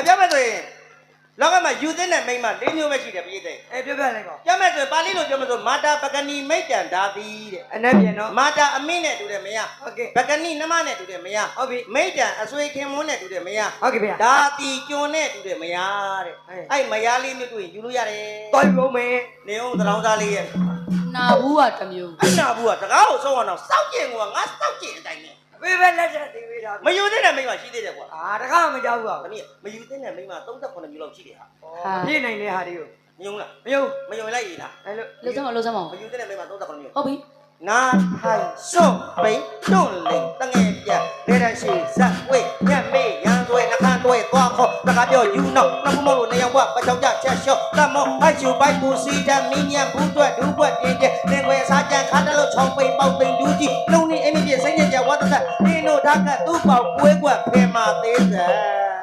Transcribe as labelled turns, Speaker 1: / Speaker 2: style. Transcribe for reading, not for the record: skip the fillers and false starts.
Speaker 1: ပြောမဲ့ဆိုရင်လောကမှာယူသင်းတဲ့မိန်းမ၄မျိုးပဲရှိတယ်ပြည့်တဲ့
Speaker 2: ပြောပြလိုက်ပါ
Speaker 1: ပြောမဲ့ဆိုပါဠိလိုပြောမလို့မာတာပကဏီမိတ်တန်ဓာတိတဲ့အ
Speaker 2: နက်ပြန်တော့
Speaker 1: မာတာအမိနဲ့တူတယ်မရ
Speaker 2: ဟုတ်ကဲ့
Speaker 1: ပကဏီနှမနဲ့တူတယ်မရ
Speaker 2: ဟုတ်ပြီ
Speaker 1: မိတ်တန်အဆွေခင်မွန်းနဲ့တူတယ်မရ
Speaker 2: ဟုတ်ကဲ့ဗျာ
Speaker 1: ဓာတိကျွန်းနဲ့တူတယ်မရတဲ့အဲ့မရလေးမျိုးတွေ့ရင်ယူလို့ရတယ်
Speaker 2: တော်ပြီဦးမင်း
Speaker 1: နေအောင်သံတော်သားလေးရဲ့
Speaker 3: နာဘူးကတစ်မျိုး
Speaker 1: အနာဘူးကတကားကိုဆုံးအောင်တော့စောက်ကျင်ကငါစောက်ကျင်အတိုင်းနဲ့
Speaker 2: ဘေးပဲလက်ချက်သေးသေးတာ
Speaker 1: မယူသင့်တဲ့မိန်းမရှိသေးတယ်ကွာ
Speaker 2: တခါမကြောက်ဘူးကွာ
Speaker 1: တမီးမယူသင့်တဲ့မိန်းမ38မျိုးလောက်ရှိတယ်ဟာ
Speaker 2: ပြည့်နိုင်တဲ့ဟာတွေကို
Speaker 1: မယုံလား
Speaker 2: မယုံ
Speaker 1: မယုံလိုက်ရတာ
Speaker 2: အဲ့လို
Speaker 3: လှုပ်စမ်းမလှုပ်စမ်းမ
Speaker 1: မယူသင့်တဲ့မိန်းမ38မျိုး
Speaker 3: ဟုတ်ပြီ
Speaker 1: နာထိုင်စွန့်ပိန်တွန့်လိန်တငယ်ပြလဲတဲ့ရှိဇက်ဝေးညက်မေးရန်သွဲနှခမ်းတွဲသွားခေါ်တကားပြောယူနောက်နှမမောလို့နေရောက်ဘပချောင်းကြချက်လျှော့တမောဟိုက်ချူပိုက်ကိုစီးတမင်းညက်ဘူးတွက်ဒူးပွက်ပြင်းတဲ့လင်ွယ်စားကြံခါတလို့ချောင်းပိန်ပေါက်ပိန်ဒူးကြီးလုံနေအင်းပြစိမ့်ညက်ကြဝတ်သက်နင်းတို့ဓာတ်ကသူ့ပေါက်ကွဲကွက်ဖဲမာသေးစံ